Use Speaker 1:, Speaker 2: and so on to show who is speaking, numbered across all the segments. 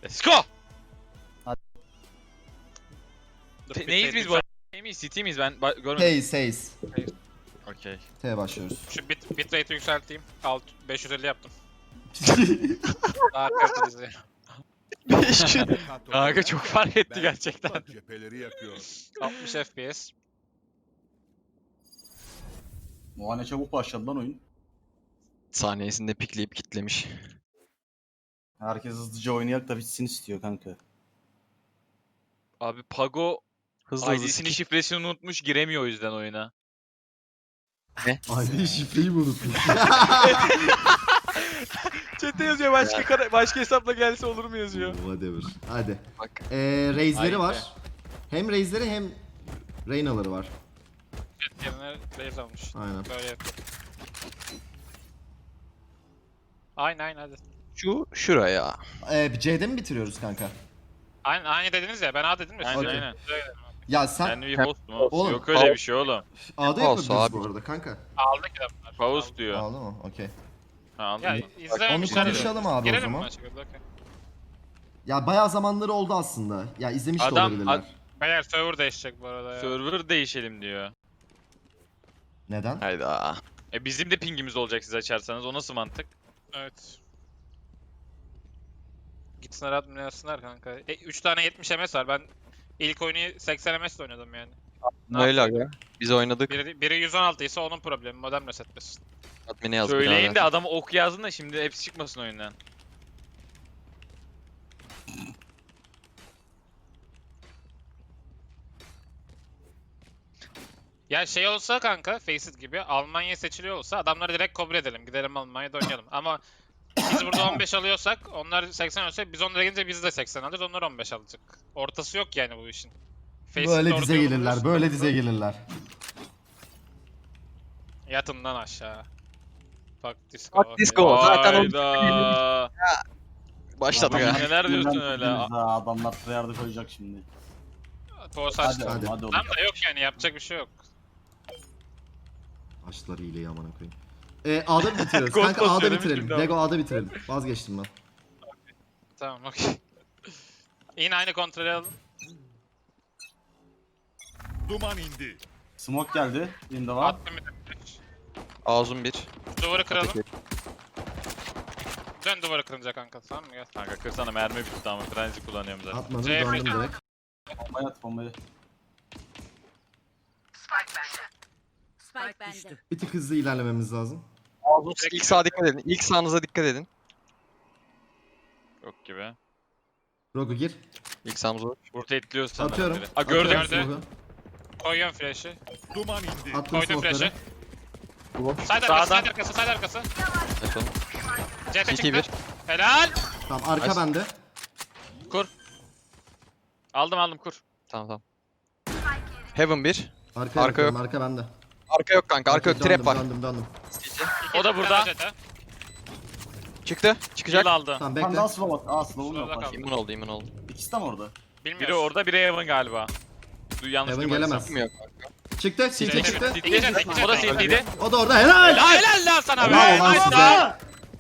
Speaker 1: Let's go. Neyiz biz bu arada? Şey miyiz? City miyiz? Ben görmedim.
Speaker 2: Haze.
Speaker 1: Okey.
Speaker 2: T'ye başlıyoruz.
Speaker 3: Şu bitrate'i yükselteyim. 550 yaptım. Daha kaliteli izleyelim.
Speaker 1: Kanka çok fark etti gerçekten.
Speaker 4: Cepheleri yakıyor.
Speaker 3: 60 FPS.
Speaker 5: O ne çabuk başladı lan oyun.
Speaker 6: Saniyesinde pikleyip kitlemiş.
Speaker 5: Herkes hızlıca oynayak da bitsin istiyor kanka.
Speaker 1: Abi Pago
Speaker 6: Hızlı
Speaker 1: ID'sini şifresini unutmuş, giremiyor o yüzden oyuna.
Speaker 2: ID şifreyi mi unutmuş?
Speaker 1: Chat'te yazıyor başka hesapla gelse olur mu yazıyor.
Speaker 2: Whatever. Hadi.
Speaker 6: Bak.
Speaker 2: Raze'leri
Speaker 1: Haydi.
Speaker 2: var. Hem Raze'leri hem Reyna'ları var.
Speaker 3: Yerine raise almış.
Speaker 2: Aynen.
Speaker 3: Böyle yapıyor. Aynen hadi.
Speaker 6: Şuraya.
Speaker 2: C'de mi bitiriyoruz kanka?
Speaker 3: Aynı dediniz ya, ben A dedim ya.
Speaker 1: Aynen
Speaker 2: Okey.
Speaker 1: aynen.
Speaker 2: Ya sen
Speaker 1: Kendi bir host mu?
Speaker 2: Oğlum,
Speaker 1: Yok öyle bir şey oğlum.
Speaker 2: A'da
Speaker 6: Olsun
Speaker 2: yapabiliriz
Speaker 6: abi.
Speaker 2: bu arada kanka.
Speaker 3: Aldık ya bunlar.
Speaker 1: Paus diyor.
Speaker 2: A'da mı? Okey.
Speaker 1: Ha,
Speaker 3: Ya
Speaker 1: anladım.
Speaker 2: Onu
Speaker 3: izlememişler.
Speaker 2: konuşalım abi o
Speaker 3: Girelim
Speaker 2: zaman.
Speaker 3: mi maça? Okey.
Speaker 2: Ya bayağı zamanları oldu aslında. Ya izlemiş de
Speaker 1: Adam-
Speaker 2: olabilirler.
Speaker 3: Beyler server değişecek bu arada ya.
Speaker 1: Server değişelim diyor.
Speaker 2: Neden?
Speaker 6: Hayda.
Speaker 1: Bizim de pingimiz olacak siz açarsanız. O nasıl mantık?
Speaker 3: Evet. Gitsinler atmayasınlar kanka. 3 tane 70 MS var. Ben ilk oyunu 80 MS oynadım yani.
Speaker 6: Öyle aga. Biz oynadık.
Speaker 3: Biri 116 ise onun problemi. Modem resetlesin.
Speaker 6: Admin'e yazdık.
Speaker 1: Söyleyin
Speaker 6: abi.
Speaker 1: de adamı ok yazın da şimdi hepsi çıkmasın oyundan.
Speaker 3: Ya şey olsa kanka, Faceit gibi Almanya seçiliyor olsa adamları direkt kabul edelim. Gidelim Almanya'da oynayalım. Ama biz burada 15 alıyorsak, onlar 80 alıyorsa biz onlara gelince biz de 80 alırız. Onlar 15 alacak. Ortası yok yani bu işin. Faceit'te
Speaker 2: Böyle
Speaker 3: orta
Speaker 2: dize
Speaker 3: yolu
Speaker 2: gelirler.
Speaker 3: buluyorsun.
Speaker 2: Böyle dize gelirler.
Speaker 3: Yatın lan aşağı. Fuck disco.
Speaker 6: Fuck disco. Zaten o-
Speaker 1: Hayda.
Speaker 6: Başladık
Speaker 1: Adam
Speaker 6: ha.
Speaker 1: neler diyorsun öyle?
Speaker 5: Adamlar tryhard'ı koyacak şimdi.
Speaker 3: Poğuz
Speaker 5: Hadi
Speaker 3: açtı.
Speaker 5: oğlum,
Speaker 2: Hadi.
Speaker 5: hadi oğlum.
Speaker 3: Tam da yok yani, yapacak bir şey yok.
Speaker 2: Açtılar hileyi amına koyayım. A'da mı bitiriyoruz?
Speaker 1: Ghost
Speaker 2: Kanka A'da
Speaker 1: basıyorum
Speaker 2: bitirelim.
Speaker 1: şimdi
Speaker 2: Lego A'da bitirelim. Vazgeçtim ben.
Speaker 3: Tamam okey. Yine aynı kontrolü alın.
Speaker 4: Duman indi.
Speaker 5: Smoke geldi. Yine de var.
Speaker 3: Attım bir de.
Speaker 6: Ağzım bir.
Speaker 3: Duvarı kıralım. Dön duvarı kırınca kanka, tamam mı? Gel.
Speaker 1: Kanka kırsana, mermi bitti ama frenzi kullanıyorum zaten.
Speaker 2: Atmadım
Speaker 3: C
Speaker 2: döndüm
Speaker 3: free.
Speaker 2: direkt.
Speaker 5: Bombayı at bombayı.
Speaker 7: Spike bende.
Speaker 2: Bir tık hızlı ilerlememiz lazım.
Speaker 6: İlk sağa dikkat edin. İlk sağınıza dikkat edin.
Speaker 1: Yok gibi.
Speaker 2: Rogu gir.
Speaker 6: İlk sağımıza.
Speaker 1: Rotate'liyoruz sanırım.
Speaker 2: Atıyorum.
Speaker 1: biri. Aa gördüm.
Speaker 2: Atıyorum
Speaker 3: Gördüm.
Speaker 2: smoke'u.
Speaker 3: Koyuyorum flash'ı.
Speaker 4: Duman indi.
Speaker 2: Attım
Speaker 3: Koydum
Speaker 2: smoke'ları.
Speaker 3: flash'ı. Side arkası,
Speaker 1: Sağdan.
Speaker 3: side arkası, side arkası.
Speaker 6: Açalım.
Speaker 3: CT
Speaker 6: CT
Speaker 3: çıktı.
Speaker 6: 1.
Speaker 3: Helal.
Speaker 2: Tamam arka
Speaker 6: Nice.
Speaker 2: bende.
Speaker 1: Aldım kur.
Speaker 6: Tamam tamam. Heaven 1.
Speaker 2: Arka
Speaker 6: Arka
Speaker 2: yok. Arka bende.
Speaker 6: Arka yok kanka. Arka yok.
Speaker 2: Döndüm,
Speaker 6: Trap var.
Speaker 2: Döndüm.
Speaker 1: O da burada.
Speaker 6: Çıktı.
Speaker 1: Kill
Speaker 6: Çıkacak.
Speaker 1: aldı.
Speaker 2: Tamam
Speaker 5: Ben
Speaker 2: bekle.
Speaker 5: daha slow at. Slow'um
Speaker 3: Slow'da
Speaker 5: yok
Speaker 3: kaldı.
Speaker 5: başka.
Speaker 6: İmmun oldu immün oldu.
Speaker 5: İkisi de mi orada?
Speaker 3: Bilmiyorum.
Speaker 1: Biri orada, biri Evan galiba. Yanlış
Speaker 2: Evan
Speaker 1: duymadıysam.
Speaker 2: gelemez.
Speaker 6: Kim yok.
Speaker 2: Çıktı. CT çıktı.
Speaker 1: O da CT'ydi.
Speaker 2: O da orada. Helal.
Speaker 3: Helal lan sana be.
Speaker 2: Bravo lan
Speaker 3: Nice
Speaker 2: size.
Speaker 3: lan.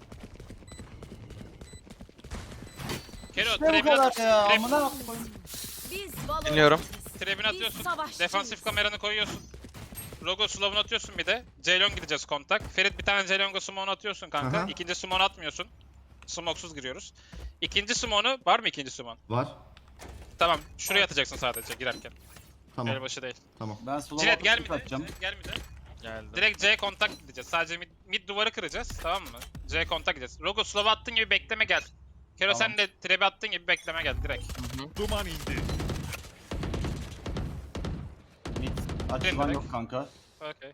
Speaker 3: Kero,
Speaker 5: Ne bu
Speaker 3: trebin
Speaker 5: kadar
Speaker 3: at.
Speaker 5: ya?
Speaker 3: Trap-
Speaker 5: Amına koyayım.
Speaker 7: Biz Valorant.
Speaker 6: Dinliyorum.
Speaker 3: Trebini atıyorsun.
Speaker 7: savaşçıyız.
Speaker 3: Defansif kameranı koyuyorsun. Logo slow'unu atıyorsun bir de. Ceylon gideceğiz kontak. Ferit bir tane Ceylongo smoke'unu atıyorsun kanka.
Speaker 2: Aha.
Speaker 3: İkinci smoke'unu atmıyorsun. Smoke'suz giriyoruz. İkinci smoke'unu var mı, ikinci smoke?
Speaker 2: Var.
Speaker 3: Tamam. Şuraya atacaksın sadece girerken.
Speaker 2: Tamam.
Speaker 3: Elbaşı değil.
Speaker 5: Ben slow
Speaker 3: Cilet
Speaker 5: atıp
Speaker 3: gel
Speaker 5: skill
Speaker 3: mi de?
Speaker 5: atacağım.
Speaker 3: Gel mi de?
Speaker 1: Geldi.
Speaker 3: Direkt C kontak gideceğiz. Sadece mid duvarı kıracağız. Tamam mı? C kontak gideceğiz. Logo slow'a attığın gibi bekleme gel. Kero
Speaker 5: Tamam.
Speaker 3: sen de trap'e attığın gibi bekleme gel direkt.
Speaker 4: Duman indi.
Speaker 5: Mid. Açılan
Speaker 3: direkt.
Speaker 5: yok kanka.
Speaker 3: Okey.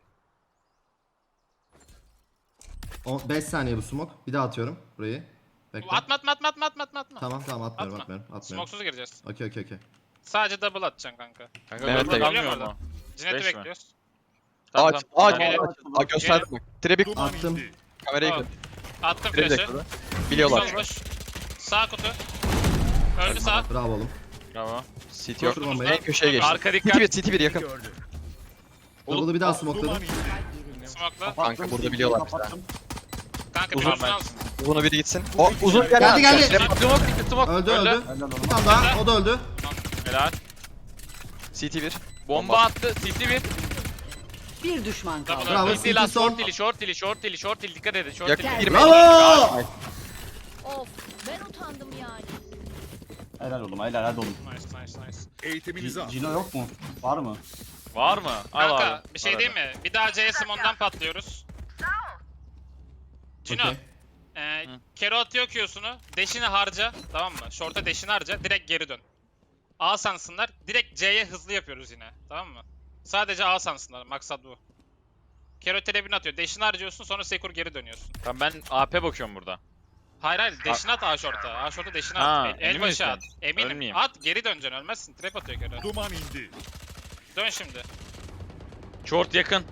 Speaker 2: 5 saniye bu smoke. Bir daha atıyorum burayı. Bekle.
Speaker 3: Atma.
Speaker 2: Tamam atmıyorum
Speaker 3: Atma.
Speaker 2: atmıyorum.
Speaker 3: Smoke'suz gireceğiz.
Speaker 2: Okey.
Speaker 3: Sadece double atacaksın kanka.
Speaker 1: Kanka
Speaker 6: Mehmet de
Speaker 1: kalmıyor
Speaker 3: geliyor
Speaker 1: mu?
Speaker 3: Cinet'i
Speaker 1: Beş mi?
Speaker 3: bekliyoruz.
Speaker 6: Ağaç. Ağaç.
Speaker 3: Gel.
Speaker 6: Ağaç gösterdim bak. Trap'i
Speaker 4: Duman
Speaker 2: Attım.
Speaker 4: indi.
Speaker 6: kamerayı
Speaker 3: Tamam.
Speaker 6: kır.
Speaker 3: Attım
Speaker 6: Trap'i de
Speaker 3: flash'ı.
Speaker 6: kır. Biliyorlar.
Speaker 3: Sol boş. Sağ kutu. Öldü sağ.
Speaker 2: Bravo oğlum.
Speaker 1: Bravo.
Speaker 6: CT yok.
Speaker 2: Koştur bombayı.
Speaker 6: En köşeye geçti.
Speaker 1: Arka
Speaker 6: CT
Speaker 1: dikkat.
Speaker 6: 1 CT 1 yakın.
Speaker 4: Gördü.
Speaker 2: Double'ı bir daha
Speaker 4: Duman
Speaker 2: smokeladım.
Speaker 4: indi.
Speaker 3: Smoke'la.
Speaker 6: Kanka burada biliyorlar bizi.
Speaker 5: Kapattım.
Speaker 3: Kanka
Speaker 6: Uzun
Speaker 3: bir uzun
Speaker 1: ben.
Speaker 3: alsın.
Speaker 6: Uzuna biri gitsin. O uzun gel.
Speaker 2: Geldi, geldi.
Speaker 1: Smoke, smoke.
Speaker 2: Öldü.
Speaker 5: Helal
Speaker 2: Bir
Speaker 5: oğlum.
Speaker 2: tane daha. O da öldü.
Speaker 1: Helal.
Speaker 6: CT 1.
Speaker 1: Bomba attı. CT bir.
Speaker 7: Bir düşman kaldı.
Speaker 2: Bravo.
Speaker 1: CT lan
Speaker 2: CT son.
Speaker 1: short dili, short dili, short dili, short dili. Dikkat edin, short
Speaker 6: Yakın
Speaker 1: dili.
Speaker 6: girme.
Speaker 2: Bravo.
Speaker 7: Of ben utandım yani.
Speaker 5: Helal oğlum, helal hadi oğlum.
Speaker 3: Nice.
Speaker 4: Eğitiminizi al.
Speaker 5: Cino yok mu? Var mı?
Speaker 1: Var mı? Al
Speaker 3: Kanka
Speaker 1: abi.
Speaker 3: bir şey diyeyim mi? Bir daha C Simon'dan patlıyoruz. Cino.
Speaker 2: Okey.
Speaker 3: Kero atıyor Q'sunu. Deşini harca. Tamam mı? Short'a deşini harca. Direkt geri dön. A sansınlar. Direkt C'ye hızlı yapıyoruz yine. Tamam mı? Sadece A sansınlar. Maksat bu. Kero telebini atıyor. Deşini harcıyorsun sonra Sekur geri dönüyorsun.
Speaker 1: Tamam ben AP bakıyorum burada.
Speaker 3: Hayır deşini at A short'a. A short'a deşini
Speaker 1: Ha,
Speaker 3: at. El
Speaker 1: emin
Speaker 3: başı
Speaker 1: misin?
Speaker 3: at. Eminim.
Speaker 1: Ölmeyeyim.
Speaker 3: At geri döneceksin ölmezsin. Trap atıyor Kero.
Speaker 4: Duman indi.
Speaker 3: Dön şimdi.
Speaker 1: Short yakın.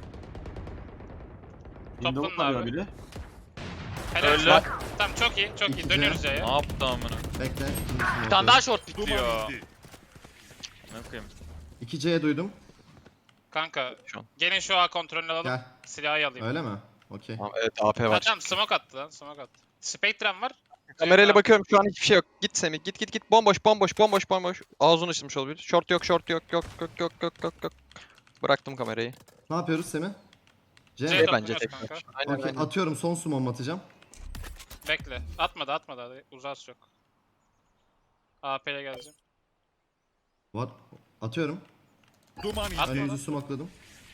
Speaker 3: Toplanın
Speaker 5: Windows arıyor
Speaker 3: abi.
Speaker 5: biri.
Speaker 3: Helal.
Speaker 1: Öldü.
Speaker 3: Tamam çok iyi çok iyi.
Speaker 2: İkinci.
Speaker 3: Dönüyoruz C'ye.
Speaker 1: Ne yaptı amına?
Speaker 2: Bekle. İkincisini
Speaker 1: Bir tane daha short
Speaker 4: Duman
Speaker 1: bitiyor.
Speaker 4: indi.
Speaker 1: Ne koyayım?
Speaker 2: 2C duydum.
Speaker 3: Kanka
Speaker 6: Şu an.
Speaker 3: gelin şu A kontrolünü alalım.
Speaker 2: Gel.
Speaker 3: Silahı alayım.
Speaker 2: Öyle mi? Okey.
Speaker 6: Tamam, evet AP var.
Speaker 3: Tamam smoke attı lan smoke attı. Spectrum var.
Speaker 6: Kamerayla bakıyorum şu an hiçbir şey yok. Git Semih git. Bomboş. Ağzını açılmış olabilir. Short yok. Yok. Bıraktım kamerayı.
Speaker 2: Ne yapıyoruz Semih? C.
Speaker 3: C
Speaker 6: bence
Speaker 3: topluyoruz
Speaker 6: tek
Speaker 3: kanka.
Speaker 6: maç. Aynen
Speaker 2: Okey.
Speaker 6: aynen.
Speaker 2: Atıyorum, son sumom atacağım.
Speaker 3: Bekle. Atmadı. Uzas yok. AP'ye geleceğim.
Speaker 2: Var. Atıyorum.
Speaker 4: Duman indi.
Speaker 3: At.
Speaker 2: Önümüzü smokladım.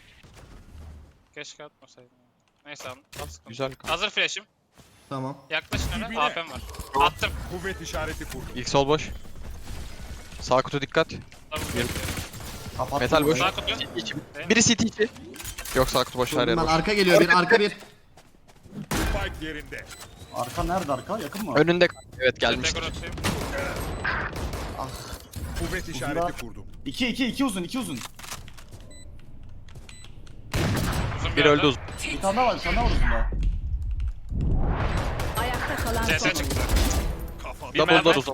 Speaker 3: Keşke atmasaydım. Neyse at sıkıntı.
Speaker 6: Güzel kanka.
Speaker 3: Hazır flash'im.
Speaker 2: Tamam.
Speaker 3: Yaklaşın öne.
Speaker 4: Dibine.
Speaker 3: AP'm var. Attım.
Speaker 4: Kuvvet işareti kurdum.
Speaker 6: İlk sol boş. Sağ kutu dikkat.
Speaker 5: Kapattım.
Speaker 6: Metal boş.
Speaker 3: Sağ kutu.
Speaker 6: Biri CT içi. Yok sağ kutu boş her
Speaker 2: Vurdum
Speaker 6: yer
Speaker 2: ben.
Speaker 6: boş.
Speaker 2: Arka geliyor. Bir arka bir.
Speaker 4: Spike yerinde.
Speaker 5: Arka nerede arka? Yakın mı?
Speaker 6: Önünde evet
Speaker 3: Tekrar
Speaker 6: gelmiştir.
Speaker 3: atayım.
Speaker 4: Kuvvet işareti kurdum.
Speaker 5: 2 uzun.
Speaker 3: Uzun
Speaker 6: Bir öldü uzun.
Speaker 5: Bir tane daha var uzunda.
Speaker 7: Ayakta kalan son
Speaker 3: CS
Speaker 7: oyuncu.
Speaker 3: çıktı.
Speaker 4: Kafa.
Speaker 3: Bir
Speaker 6: Double'lar
Speaker 3: mermi.
Speaker 6: uzun.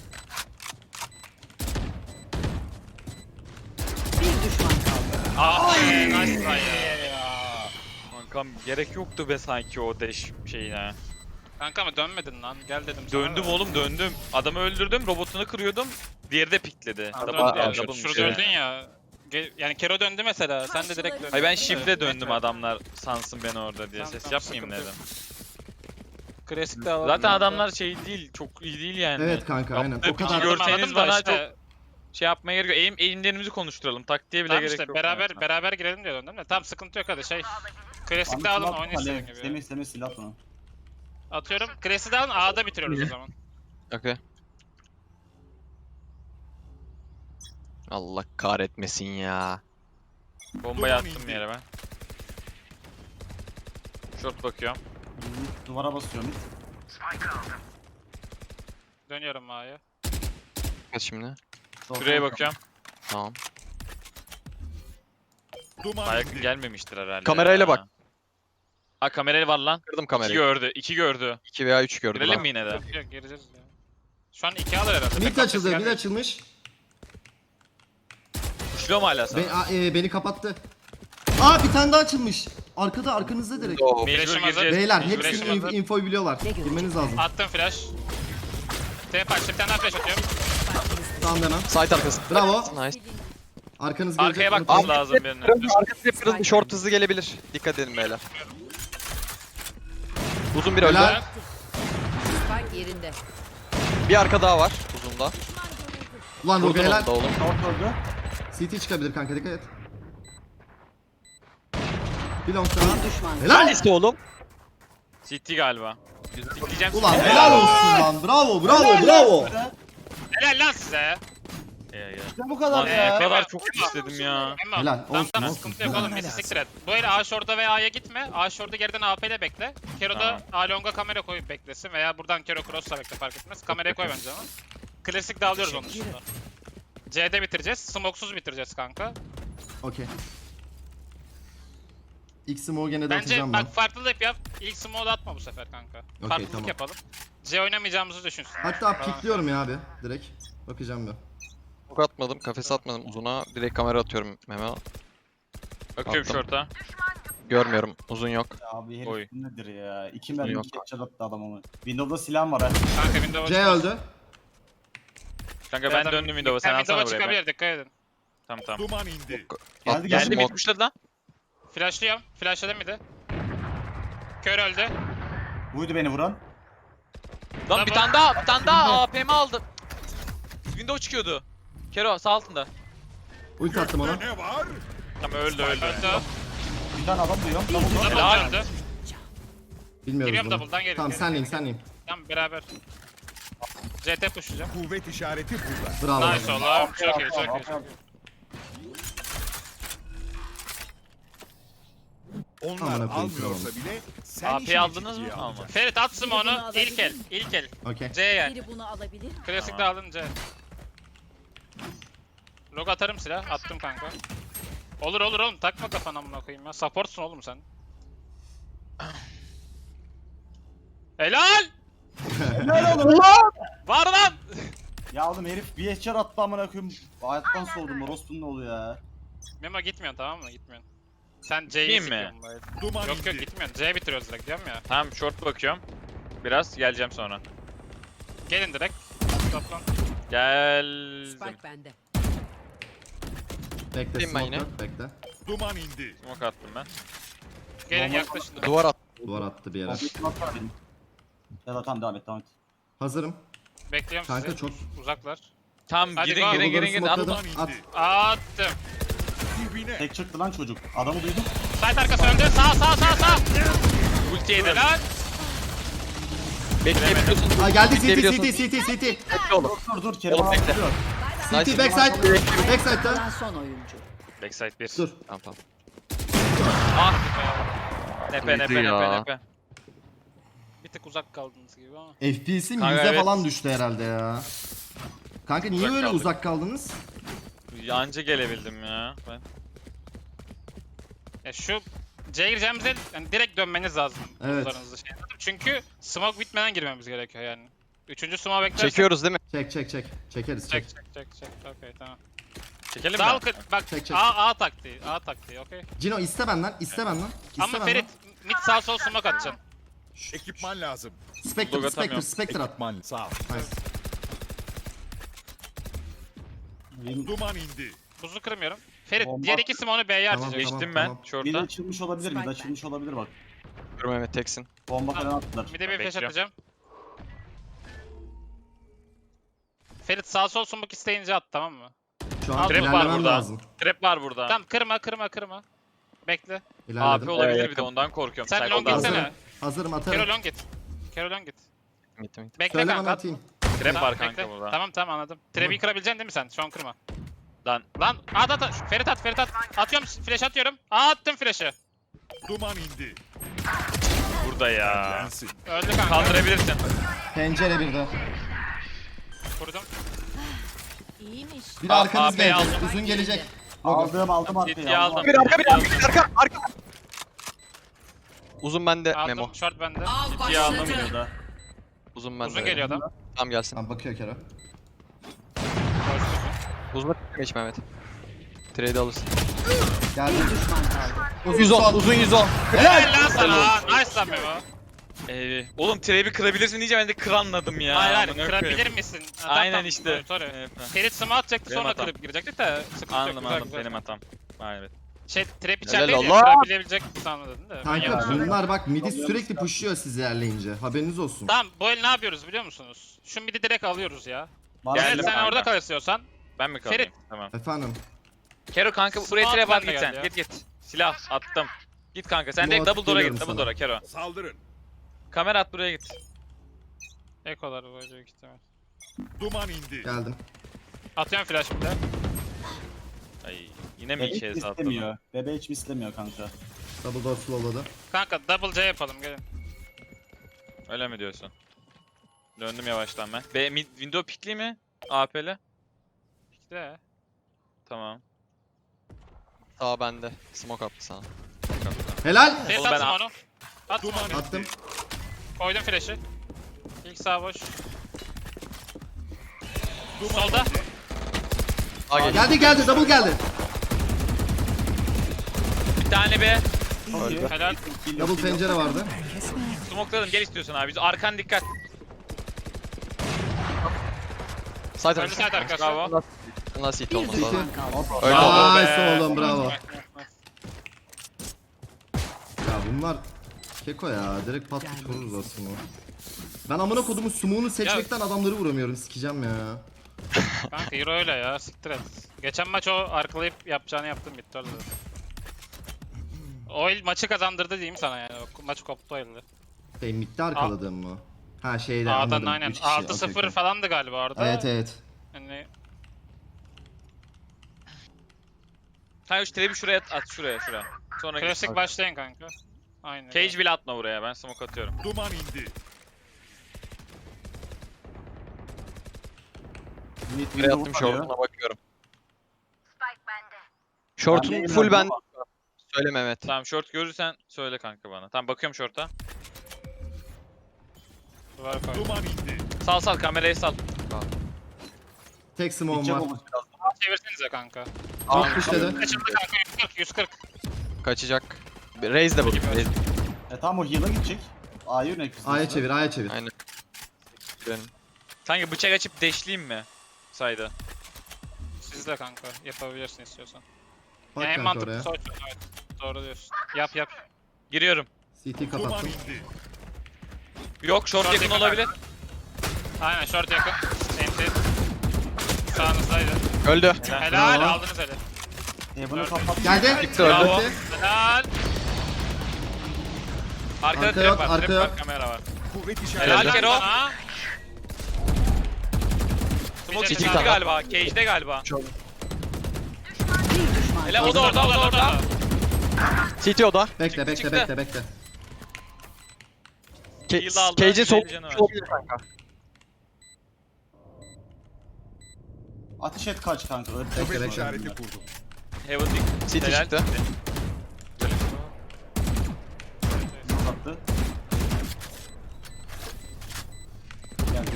Speaker 7: Bir düşman kaldı.
Speaker 3: Nice try ya.
Speaker 1: Kankam gerek yoktu be sanki o dash şeyine.
Speaker 3: Kanka ama dönmedin lan. Gel dedim sana.
Speaker 1: Döndüm
Speaker 3: da.
Speaker 1: oğlum döndüm. Adamı öldürdüm, robotunu kırıyordum. Diğeri de pikledi.
Speaker 3: Adam
Speaker 1: Double,
Speaker 6: Aa,
Speaker 1: double
Speaker 3: Şurada öldün ya. Yani Kero döndü mesela. Sen de direkt döndün.
Speaker 1: Hayır ben shift'le döndüm adamlar sansın beni orada diye.
Speaker 3: Tamam,
Speaker 1: Ses
Speaker 3: tamam,
Speaker 1: yapmayayım
Speaker 3: sıkıntı
Speaker 1: dedim.
Speaker 3: Klasik de alalım.
Speaker 1: Zaten adamlar şey değil, çok iyi değil yani.
Speaker 2: Evet kanka, aynen.
Speaker 1: Yaptığı
Speaker 2: O
Speaker 1: piçi
Speaker 2: kadar.
Speaker 1: görseniz bana
Speaker 3: işte,
Speaker 1: çok şey yapmaya gerek yok. Eğimlerimizi konuşturalım. Taktiğe bile
Speaker 3: tamam
Speaker 1: gerek
Speaker 3: işte
Speaker 1: yok.
Speaker 3: beraber girelim diye döndüm de. Tamam sıkıntı yok hadi şey. Klasik de alın oyun istediğin gibi.
Speaker 5: Semih silah bunu.
Speaker 3: Atıyorum. Klasik de alın A'da bitiriyoruz o zaman.
Speaker 6: Okey. Allah kahretmesin ya.
Speaker 1: Bombayı attım yere ben. Short bakıyorum.
Speaker 5: Duvara basıyorum.
Speaker 3: Dönüyorum A'ya.
Speaker 6: Kaç şimdi?
Speaker 1: Şuraya bakıyorum.
Speaker 6: Tamam.
Speaker 4: Duman
Speaker 1: Ayak
Speaker 4: indi.
Speaker 1: gelmemiştir herhalde.
Speaker 6: Kamerayla
Speaker 1: ya.
Speaker 6: bak.
Speaker 1: Ha kamerayla var lan.
Speaker 6: Kırdım
Speaker 1: 2
Speaker 6: kamerayı.
Speaker 1: gördü. 2 gördü.
Speaker 6: 2 veya 3 gördüm.
Speaker 1: Girelim
Speaker 6: lan.
Speaker 1: mi yine de?
Speaker 3: Yok gireceğiz ya. Şu an 2 alır herhalde.
Speaker 2: Mid
Speaker 3: Tek
Speaker 2: açıldı.
Speaker 3: atacağız
Speaker 2: Mid
Speaker 3: yani.
Speaker 2: açılmış.
Speaker 1: Kuşluyor mu hala sana?
Speaker 2: Beni kapattı. Aa, bir tane daha açılmış. Arkada, arkanızda direkt.
Speaker 6: Oo.
Speaker 1: Mecbur
Speaker 3: Flash'ım hazır.
Speaker 1: gireceğiz.
Speaker 2: Beyler
Speaker 3: Flash'ım
Speaker 2: hepsinin
Speaker 3: hazır.
Speaker 2: infoyu biliyorlar. Girmeniz lazım.
Speaker 3: Attım flash. TP açtı bir tane daha flash atıyorum.
Speaker 2: Tamam demem.
Speaker 6: Site arkası.
Speaker 2: Bravo.
Speaker 6: Nice.
Speaker 2: Arkanız gelecek.
Speaker 1: Arkaya
Speaker 2: unutmayın.
Speaker 1: bakmamız lazım birinin.
Speaker 6: Arkası hep kırıldı. Short hızlı gelebilir. Dikkat edin beyler. Uzun bir öldü.
Speaker 2: Helal.
Speaker 7: Spike yerinde.
Speaker 6: Bir arka daha var uzunda.
Speaker 2: Ulan Rogu
Speaker 6: Vurdun
Speaker 2: helal.
Speaker 6: onu da oğlum.
Speaker 5: Short öldü.
Speaker 2: CT çıkabilir kanka, dikkat et. Bir long daha.
Speaker 7: Bir düşman kaldı.
Speaker 2: Helal.
Speaker 6: İşte oğlum.
Speaker 1: CT galiba. Diyeceğim.
Speaker 2: Ulan helal olsun lan. Bravo.
Speaker 3: Helal lan size.
Speaker 5: İşte bu kadar
Speaker 1: Lan ne
Speaker 5: ya.
Speaker 1: kadar çok istedim ya.
Speaker 3: Emma,
Speaker 2: Helal,
Speaker 3: tamam,
Speaker 2: olsun,
Speaker 3: tamam,
Speaker 2: olsun.
Speaker 3: sıkıntı yok
Speaker 2: Helal.
Speaker 3: oğlum. Bizi siktir et. Bu el A short'a veya A'ya gitme. A short'u geriden AP ile bekle. Kero'da
Speaker 1: Tamam.
Speaker 3: A long'a kamera koyup beklesin veya buradan Kero cross'la bekle fark etmez. Kameraya koy bence ama. Klasik dağılıyoruz onun dışında. C'de bitireceğiz. Smoke'suz bitireceğiz kanka.
Speaker 2: Okey. İlk smoke'u gene de
Speaker 3: Bence
Speaker 2: atacağım ben.
Speaker 3: bak farklılık yap. İlk smoke'u atma bu sefer kanka. Farklılık
Speaker 2: tamam.
Speaker 3: yapalım. C oynamayacağımızı düşünsün.
Speaker 2: Hatta pikliyorum ya abi. Direkt. Bakacağım bir.
Speaker 6: Ok atmadım. Kafese atmadım uzuna. Direkt kamera atıyorum Mehmet.
Speaker 1: Bakıyorum
Speaker 6: Attım.
Speaker 1: short'a.
Speaker 6: Görmüyorum. Uzun yok.
Speaker 5: Ya abi herif
Speaker 1: Oy.
Speaker 5: nedir ya? 2 mermi
Speaker 6: Yok.
Speaker 5: 2 headshot attı adam onu. Windows'da silahım var ha.
Speaker 3: Kanka Windows'a
Speaker 2: C öldü.
Speaker 1: Kanka ben döndüm Windows'a, sen alsana buraya.
Speaker 3: çıkabilir, dikkat edin.
Speaker 1: Tamam tamam.
Speaker 4: Duman indi.
Speaker 5: Geldi
Speaker 1: Geldi
Speaker 6: Smoke.
Speaker 1: mid pushladı lan.
Speaker 3: Flashlıyorum. Flashladım bir de. Kör öldü.
Speaker 5: Buydu beni vuran.
Speaker 1: Lan bir tane daha APM aldım. Window çıkıyordu. Kero sağ altında.
Speaker 2: Ulti attım ona.
Speaker 4: Ne var?
Speaker 1: Tamam öldü.
Speaker 3: Öldü.
Speaker 5: Bir tane adam duyuyorum. Double door.
Speaker 3: Double öldü.
Speaker 2: Bilmiyoruz
Speaker 3: Giriyorum
Speaker 2: bunu.
Speaker 3: double'dan geri.
Speaker 2: Tamam
Speaker 3: geri,
Speaker 2: senleyim
Speaker 3: geri.
Speaker 2: senleyim.
Speaker 3: Tamam beraber. CT pushlayacağım.
Speaker 4: Kuvvet işareti burada.
Speaker 2: Bravo.
Speaker 3: Nice oğlum. Çok iyi, çok iyi. Çok iyi.
Speaker 4: Onlar
Speaker 2: Aman akıyım,
Speaker 4: almıyorsa bile sen
Speaker 1: AP
Speaker 4: işini
Speaker 1: aldınız mı?
Speaker 4: ciddiye
Speaker 1: Almadım.
Speaker 4: alacaksın.
Speaker 3: Ferit atsın
Speaker 7: Bunu
Speaker 3: onu.
Speaker 7: alabilir
Speaker 3: İlk el.
Speaker 7: miyim?
Speaker 3: İlk el.
Speaker 2: Okey.
Speaker 1: C yani.
Speaker 7: Biri bunu alabilir.
Speaker 3: Klasikte
Speaker 1: Tamam.
Speaker 3: aldın C. Log atarım silah. Attım kanka. Olur olur oğlum. Takma kafana amına koyayım ya. Supportsun oğlum sen. Helal! Var lan!
Speaker 5: Ya oğlum herif bir headshot attı amına koyayım. Hayattan soğudum. Orospu'nun ne oluyor ya?
Speaker 3: Memo gitmiyorsun tamam mı? Gitmiyorsun. Sen C'yi
Speaker 1: Gideyim mi?
Speaker 3: sikiyorsun bari.
Speaker 4: Duman
Speaker 3: Yok yok
Speaker 4: indi.
Speaker 3: gitmiyorsun. C bitiriyoruz direkt diyorum ya.
Speaker 1: Tamam short bakıyorum. Biraz geleceğim sonra.
Speaker 3: Gelin direkt. Toplan.
Speaker 1: Geldim.
Speaker 7: Spike bende.
Speaker 2: Bekle
Speaker 6: Bileyim ben
Speaker 2: smoke
Speaker 6: yine.
Speaker 2: yok bekle.
Speaker 4: Duman indi.
Speaker 1: Smoke attım ben.
Speaker 3: Gelin yaklaşın.
Speaker 6: Duvar at.
Speaker 2: Duvar attı bir yere.
Speaker 5: Kompletim atlar benim. Ya da tamam devam et devam et.
Speaker 2: Hazırım.
Speaker 3: Bekliyorum
Speaker 2: Kanka
Speaker 3: sizi.
Speaker 2: çok.
Speaker 3: Uzaklar.
Speaker 1: Tamam
Speaker 3: Hadi
Speaker 1: girin
Speaker 3: go.
Speaker 1: girin
Speaker 2: Double'ları
Speaker 1: girin girin. At.
Speaker 2: smokeladım.
Speaker 4: Duman
Speaker 2: At.
Speaker 4: indi.
Speaker 3: Attım.
Speaker 4: Dibine.
Speaker 5: Tek çıktı lan çocuk. Adamı duydum.
Speaker 3: Site arkası öldü. Sağ.
Speaker 1: Ulti yedim.
Speaker 3: Helal.
Speaker 6: Bekleyebiliyorsun.
Speaker 2: Aa geldi CT
Speaker 6: Bekleyebiliyorsun.
Speaker 2: CT.
Speaker 6: Bekle oğlum.
Speaker 5: Dur Kerim
Speaker 6: Oğlum
Speaker 5: abi
Speaker 6: bekle.
Speaker 5: duruyor.
Speaker 6: Nice.
Speaker 2: CT backside. Backside'da.
Speaker 7: Kalan son oyuncu.
Speaker 1: Backside 1.
Speaker 2: Dur.
Speaker 6: Tamam tamam.
Speaker 1: Ah. Nepe
Speaker 6: Uydu ya.
Speaker 1: nepe.
Speaker 3: Bir tık uzak kaldınız gibi ama.
Speaker 2: FPS'im
Speaker 1: Kanka
Speaker 2: 100'e
Speaker 1: evet.
Speaker 2: falan düştü herhalde ya. Kanka niye
Speaker 1: Uzak
Speaker 2: böyle
Speaker 1: kaldık.
Speaker 2: uzak kaldınız?
Speaker 1: Anca gelebildim ya. Ben.
Speaker 3: Ya şu C'ye gireceğimizde yani direkt dönmeniz lazım.
Speaker 2: Evet.
Speaker 3: Buzlarınızı şey yapıp. Çünkü smoke bitmeden girmemiz gerekiyor yani. Üçüncü smoke beklersek.
Speaker 6: Çekiyoruz değil mi?
Speaker 2: Çek. Çekeriz çek.
Speaker 3: Çek. Okey tamam.
Speaker 1: Çekelim mi?
Speaker 3: Dal bak
Speaker 2: Çek.
Speaker 3: A taktiği okey.
Speaker 2: Cino iste benden. İste benden. İste
Speaker 3: Ama
Speaker 2: benden.
Speaker 3: Ferit mid sağ sol smoke atacaksın.
Speaker 4: Ekipman lazım.
Speaker 2: Spectre
Speaker 1: Dog atamıyorum.
Speaker 2: Spectre at.
Speaker 4: Ekipman sağ ol.
Speaker 2: Nice.
Speaker 4: Duman indi.
Speaker 3: Buzu kırmıyorum. Ferit
Speaker 5: Bomba.
Speaker 3: diğer iki smoke'u B'ye
Speaker 2: Tamam,
Speaker 3: harcayacak.
Speaker 1: Geçtim
Speaker 2: tamam.
Speaker 1: ben
Speaker 5: Mid
Speaker 1: short'a.
Speaker 5: açılmış olabilir mid açılmış olabilir bak.
Speaker 6: Dur Mehmet teksin.
Speaker 5: Bomba falan attılar.
Speaker 3: Bir de bir flash
Speaker 1: Bekliyorum.
Speaker 3: atacağım. Ferit sağ sol smoke isteyince at tamam mı?
Speaker 2: Şu an
Speaker 1: Trap var
Speaker 2: ilerlemem
Speaker 1: burada.
Speaker 2: lazım.
Speaker 1: Trap var burada.
Speaker 3: Tamam kırma. Bekle.
Speaker 1: AP
Speaker 2: İlerledim.
Speaker 1: olabilir bir de ondan korkuyorum.
Speaker 3: Sen long
Speaker 1: Psycho'dan.
Speaker 3: gitsene.
Speaker 2: Hazırım
Speaker 3: Kero
Speaker 2: atarım.
Speaker 3: long git. Kero long git.
Speaker 6: Gitti gitti.
Speaker 3: Bekle
Speaker 2: Söyle bana
Speaker 3: kanka.
Speaker 2: atayım.
Speaker 1: Trap
Speaker 3: Tamam,
Speaker 1: var kanka
Speaker 3: bekle.
Speaker 1: burada.
Speaker 3: Tamam anladım. Trap'i kırabileceksin değil mi sen? Şu an kırma.
Speaker 1: Lan
Speaker 3: Lan at. Ferit at. Atıyorum flash atıyorum. Attım flash'ı.
Speaker 4: Duman indi.
Speaker 1: burada ya.
Speaker 4: Lensin.
Speaker 3: Öldü kanka.
Speaker 1: Kaldırabilirsin.
Speaker 2: Pencere bir de.
Speaker 3: Kurdum.
Speaker 7: İyiymiş.
Speaker 2: Bir arkanız
Speaker 1: AP'yi
Speaker 2: gelecek.
Speaker 1: aldım.
Speaker 2: Uzun gelecek.
Speaker 5: Aldım
Speaker 1: Ciddiye
Speaker 5: arkaya.
Speaker 1: aldım.
Speaker 6: Arka. Uzun bende Memo.
Speaker 3: Aldım. Short bende.
Speaker 1: Ciddiye aldım.
Speaker 6: Uzun bende.
Speaker 3: Uzun geliyor adam.
Speaker 6: Tamam gelsin.
Speaker 2: Tamam bakıyor Kero.
Speaker 6: Uzun geç Mehmet. Trade alırsın.
Speaker 2: Geldi.
Speaker 7: Düşman kaldı.
Speaker 2: Uzun
Speaker 6: 110.
Speaker 2: son.
Speaker 6: Uzun 110.
Speaker 3: Helal lan sana. Nice lan Memo.
Speaker 1: Oğlum trap'i kırabilirsin diyince ben de kır anladım ya.
Speaker 3: Hayır
Speaker 1: Amına
Speaker 3: kırabilir
Speaker 1: koyayım.
Speaker 3: misin? Ha,
Speaker 1: Aynen
Speaker 3: tamam,
Speaker 1: işte.
Speaker 3: Sorry.
Speaker 1: Evet, ha.
Speaker 3: Ferit smoke atacaktı
Speaker 1: Benim
Speaker 3: sonra
Speaker 1: hatam.
Speaker 3: kırıp girecektik de sıkıntı yok.
Speaker 1: Anladım
Speaker 3: güzel, güzel.
Speaker 1: benim hatam. Evet.
Speaker 3: Şey trap
Speaker 6: Helal
Speaker 3: içerideydi ya
Speaker 6: Allah.
Speaker 3: kırabilebilecek sanmadın da. Ben
Speaker 2: Kanka
Speaker 3: yanlış anladım.
Speaker 2: bunlar bak midi sürekli pushuyor siz ilerleyince. Haberiniz olsun.
Speaker 3: Tamam bu el ne yapıyoruz biliyor musunuz? Şu midi direkt alıyoruz ya.
Speaker 1: Geldim
Speaker 3: Ferit sen
Speaker 1: kanka.
Speaker 3: orada kal istiyorsan.
Speaker 1: Ben mi kalayım?
Speaker 3: Ferit.
Speaker 1: Tamam.
Speaker 2: Efendim.
Speaker 1: Kero kanka buraya
Speaker 3: Smart
Speaker 1: trap at
Speaker 3: ben de
Speaker 1: git
Speaker 3: geldi
Speaker 1: sen.
Speaker 3: ya.
Speaker 1: Git. Silah attım. Git kanka sen
Speaker 2: Smoke
Speaker 1: direkt double door'a
Speaker 2: geliyorum
Speaker 1: git. Double
Speaker 2: sana.
Speaker 1: door'a Kero.
Speaker 4: Saldırın.
Speaker 1: Kamera at buraya git.
Speaker 3: Ekolar böyle büyük ihtimal.
Speaker 4: Duman indi.
Speaker 2: Geldim.
Speaker 3: Atıyorum flash bir de.
Speaker 1: Ay yine mi
Speaker 5: Bebe
Speaker 1: iki
Speaker 5: hiç
Speaker 1: ez attın?
Speaker 5: mislemiyor. Bebe hiç mislemiyor kanka.
Speaker 2: Double door slowladı.
Speaker 3: Kanka double C yapalım gelin.
Speaker 1: Öyle mi diyorsun? Döndüm yavaştan ben. Window pickli mi? AP'li.
Speaker 3: İşte.
Speaker 1: Tamam.
Speaker 6: Sağ bende. Smoke attı sana.
Speaker 2: Helal.
Speaker 3: Ferit
Speaker 1: Oğlum ben
Speaker 3: atsın onu. At
Speaker 4: Duman
Speaker 3: onu.
Speaker 2: Attım.
Speaker 3: Koydum flash'ı. İlk sağ boş.
Speaker 4: Duman
Speaker 3: Solda.
Speaker 4: indi.
Speaker 6: Sağ geliyor.
Speaker 2: Geldi double geldi.
Speaker 1: Bir tane be.
Speaker 5: Çok iyi. Helal.
Speaker 2: Double pencere vardı.
Speaker 1: Smokladım gel istiyorsan abi. Arkan dikkat.
Speaker 6: Side
Speaker 3: Önlü
Speaker 6: arası.
Speaker 3: side arkası.
Speaker 1: Bravo.
Speaker 6: Nasıl hit
Speaker 7: Bir
Speaker 6: olması lazım.
Speaker 7: düşman kaldı.
Speaker 6: Öyle
Speaker 1: Bravo
Speaker 6: oldu.
Speaker 1: be.
Speaker 2: Nice oğlum bravo. Ya bunlar keko ya. Direkt pat pat vururuz aslında. Ben amına kodumun smoke'unu seçmekten adamları vuramıyorum. Sikeceğim ya.
Speaker 3: Kanka Euro öyle ya, siktir et. Geçen maç o arkalayıp yapacağını yaptım, bitti orada. O el maçı kazandırdı diyeyim sana yani. O maç koptu o elde.
Speaker 2: Şey midde arkaladığım mı? Ha şeyde
Speaker 3: A'dan
Speaker 2: anladım.
Speaker 3: aynen.
Speaker 2: 3 kişi.
Speaker 3: 6-0
Speaker 2: okey, okey.
Speaker 3: falandı galiba orada.
Speaker 2: Evet evet.
Speaker 3: Yani
Speaker 1: Kanka şu trebi şuraya at şuraya. Sonra
Speaker 3: klasik başlayın kanka. Aynen.
Speaker 1: Cage bile atma buraya, ben smoke atıyorum.
Speaker 4: Duman indi.
Speaker 6: Buraya attım short'una bakıyorum. Short'un
Speaker 5: Ben de
Speaker 6: full ben.
Speaker 5: ama.
Speaker 6: Söyle Mehmet.
Speaker 1: Tamam short görürsen söyle kanka bana. Tamam bakıyorum short'a.
Speaker 3: Duvar koy.
Speaker 4: Duman indi.
Speaker 1: Sal kamerayı sal.
Speaker 2: Tek smoke'um
Speaker 5: Gidecek
Speaker 2: var.
Speaker 5: olması lazım.
Speaker 3: Çevirsenize kanka.
Speaker 2: Çok kuşladı.
Speaker 3: Kaçıldı kanka, 140.
Speaker 6: Kaçacak. Raise de bu. Raise.
Speaker 5: Tamam o heal'a gidecek. A'yı yönet.
Speaker 2: A'ya çevir, A'ya çevir.
Speaker 6: Aynen. Benim.
Speaker 1: Sanki bıçak açıp deşleyeyim mi? Sayda.
Speaker 3: Siz de kanka, yapabilirsin istiyorsan.
Speaker 2: Bak
Speaker 3: En
Speaker 2: kanka
Speaker 3: mantıklı
Speaker 2: oraya.
Speaker 3: sonuç. Evet, doğru diyorsun. Yap.
Speaker 1: Giriyorum.
Speaker 2: CT
Speaker 4: Duman
Speaker 2: kapattım.
Speaker 4: indi.
Speaker 1: Yok short
Speaker 3: Short
Speaker 1: yakın
Speaker 3: yakın
Speaker 1: olabilir.
Speaker 3: Aynen, short yakın. Enti. Sağınızdaydı.
Speaker 6: Öldü.
Speaker 3: Helal,
Speaker 2: Bravo.
Speaker 3: aldınız hele.
Speaker 5: Bunu kapat.
Speaker 2: Geldi.
Speaker 6: Gitti öldü.
Speaker 1: Bravo.
Speaker 2: Gitti.
Speaker 3: Helal.
Speaker 1: Arkada
Speaker 2: Arka
Speaker 1: trap
Speaker 2: yok,
Speaker 1: var,
Speaker 2: arka
Speaker 1: trap var,
Speaker 2: yok.
Speaker 1: kamera var.
Speaker 4: Kuvvet
Speaker 1: Helal
Speaker 4: işareti.
Speaker 1: Kero.
Speaker 3: sana.
Speaker 1: Smoke
Speaker 3: Çekil
Speaker 1: içinde
Speaker 6: kanka.
Speaker 1: galiba, cage'de galiba.
Speaker 7: Bir düşman
Speaker 1: Hele
Speaker 7: kaldı.
Speaker 1: o da orada.
Speaker 6: CT oda.
Speaker 2: Bekle, bekle,
Speaker 1: çıktı.
Speaker 2: bekle, bekle.
Speaker 1: Heal aldı,
Speaker 6: Cage'in sol
Speaker 1: elli canı var.
Speaker 6: olabilir kanka.
Speaker 5: Ateş et kaç kanka. Öyle
Speaker 2: Bekle,
Speaker 4: Kuvvet
Speaker 2: bekle.
Speaker 4: işareti kurdum.
Speaker 1: Heaven dik.
Speaker 6: CT
Speaker 1: Helal.
Speaker 6: çıktı.
Speaker 5: attı. Geldi.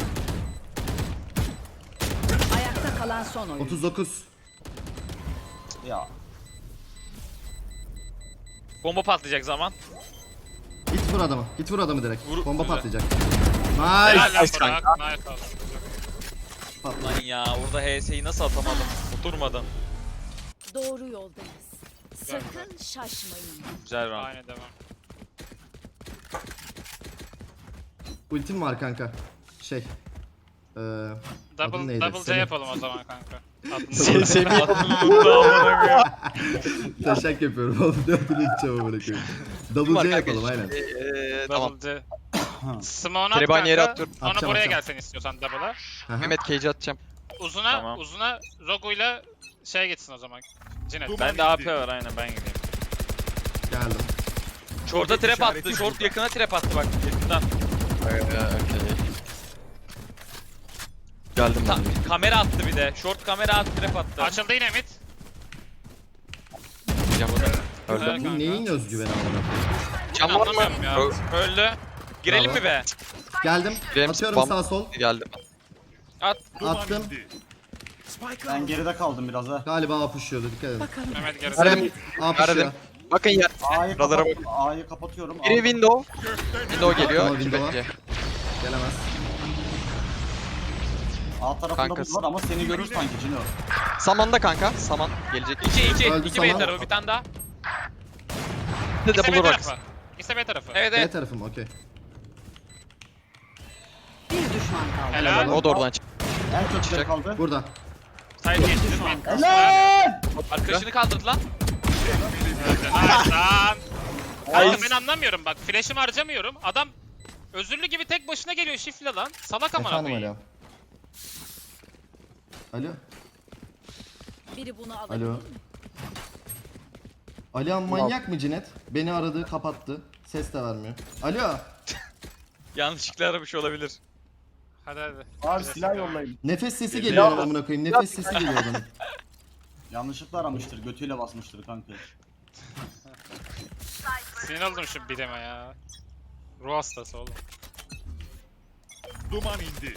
Speaker 7: Ayakta kalan son oyun.
Speaker 2: 39.
Speaker 5: Ya.
Speaker 1: Bomba patlayacak zaman.
Speaker 2: Git vur adamı. Git vur adamı direkt.
Speaker 1: Vur-
Speaker 2: Bomba
Speaker 1: güzel.
Speaker 2: patlayacak.
Speaker 3: Helal
Speaker 2: Nice.
Speaker 3: lan
Speaker 6: Nice
Speaker 3: Burak. Nice oldu.
Speaker 1: Lan ya orada HS'yi nasıl atamadım? Oturmadan.
Speaker 7: Doğru yoldayız. Sakın şaşmayın.
Speaker 1: Güzel round.
Speaker 3: Aynen devam.
Speaker 2: Ultim var kanka. Şey. Adın
Speaker 3: Double,
Speaker 2: neydi?
Speaker 3: double C
Speaker 2: Semih.
Speaker 3: yapalım o zaman kanka. Adını
Speaker 6: Semih.
Speaker 2: Taşak yapıyorum oğlum. Ne adını içeceğim amına koyayım. Double C yapalım aynen.
Speaker 6: Tamam.
Speaker 3: Double C. Smoke'unu at
Speaker 6: Trebani yere
Speaker 3: kanka.
Speaker 6: atıyorum.
Speaker 3: Sonra
Speaker 2: Atacağım,
Speaker 3: buraya
Speaker 2: atacağım.
Speaker 3: gelsen istiyorsan double'a.
Speaker 2: Aha.
Speaker 6: Mehmet Cage'i atacağım.
Speaker 3: Uzuna,
Speaker 1: Tamam.
Speaker 3: uzuna Rogu'yla şey geçsin o zaman. Cinet.
Speaker 4: Duman
Speaker 1: Bende
Speaker 4: indi.
Speaker 1: AP var aynen, ben gideyim.
Speaker 2: Geldim.
Speaker 1: Short'a trap
Speaker 4: İşareti
Speaker 1: attı. Short
Speaker 4: burada.
Speaker 1: yakına trap attı bak yakından.
Speaker 6: Okey. Geldim ben.
Speaker 1: Kamera attı bir de. Short kamera attı, trap attı.
Speaker 3: Açıldı yine mid.
Speaker 6: Gideceğim. Öldü.
Speaker 3: Evet.
Speaker 2: Bu
Speaker 3: kanka.
Speaker 2: neyin özgüveni amına koyayım?
Speaker 6: Can var mı?
Speaker 3: Anlamıyorum ya.
Speaker 6: Ö-
Speaker 1: Öldü. Girelim
Speaker 2: Bravo.
Speaker 1: mi be?
Speaker 2: Geldim.
Speaker 6: Girelim,
Speaker 2: Atıyorum
Speaker 6: spam.
Speaker 2: sağ sol.
Speaker 6: Geldim.
Speaker 4: Duman
Speaker 2: Attım.
Speaker 4: indi.
Speaker 5: Ben geride kaldım biraz ha.
Speaker 2: Galiba A pushuyordu. Dikkat edin.
Speaker 3: Mehmet gerisi.
Speaker 6: Verdim.
Speaker 2: A pushuyor.
Speaker 6: Verdim. Bakın ya.
Speaker 5: A'yı
Speaker 6: Buralara
Speaker 5: kapat. A'yı kapatıyorum.
Speaker 6: Biri window.
Speaker 4: Gökten
Speaker 6: Window geliyor.
Speaker 2: Tamam, window'a.
Speaker 6: Bence.
Speaker 2: Gelemez.
Speaker 5: A tarafında
Speaker 6: Kankası.
Speaker 5: bu var ama seni görür sanki Cino.
Speaker 6: Saman'da kanka. Saman gelecek.
Speaker 1: 2
Speaker 2: Öldü
Speaker 1: 2 B
Speaker 2: sana.
Speaker 1: tarafı bir tane daha.
Speaker 6: Bir de
Speaker 3: İkisi B
Speaker 6: bulur bak.
Speaker 3: tarafı. İkisi B tarafı.
Speaker 1: Evet
Speaker 2: B
Speaker 1: evet.
Speaker 2: tarafım okey.
Speaker 7: Bir düşman kaldı.
Speaker 3: Helal.
Speaker 6: O da oradan çık.
Speaker 5: En çok
Speaker 6: Çıkacak.
Speaker 5: kaldı.
Speaker 2: Burada.
Speaker 1: Side geçti.
Speaker 5: Helal!
Speaker 1: Arkadaşını kaldırdı lan.
Speaker 3: Nice lan. Kanka ben anlamıyorum bak. Flash'ımı harcamıyorum. Adam özürlü gibi tek başına geliyor şifle lan. Salak amına
Speaker 2: Efendim
Speaker 3: koyayım.
Speaker 2: Alo. Alo.
Speaker 7: Biri bunu alabilir
Speaker 2: Alo.
Speaker 7: mi?
Speaker 2: Alihan manyak mı Cinet? Beni aradı, kapattı. Ses de vermiyor. Alo.
Speaker 1: Yanlışlıkla aramış olabilir.
Speaker 3: Hadi hadi.
Speaker 5: Abi silah yollayın.
Speaker 2: Nefes sesi geliyor amına koyayım. Nefes sesi geliyor bana.
Speaker 5: Yanlışlıkla aramıştır. Götüyle basmıştır kanka.
Speaker 3: Sinir oldum şu birime ya. Ruh hastası oğlum.
Speaker 4: Duman indi.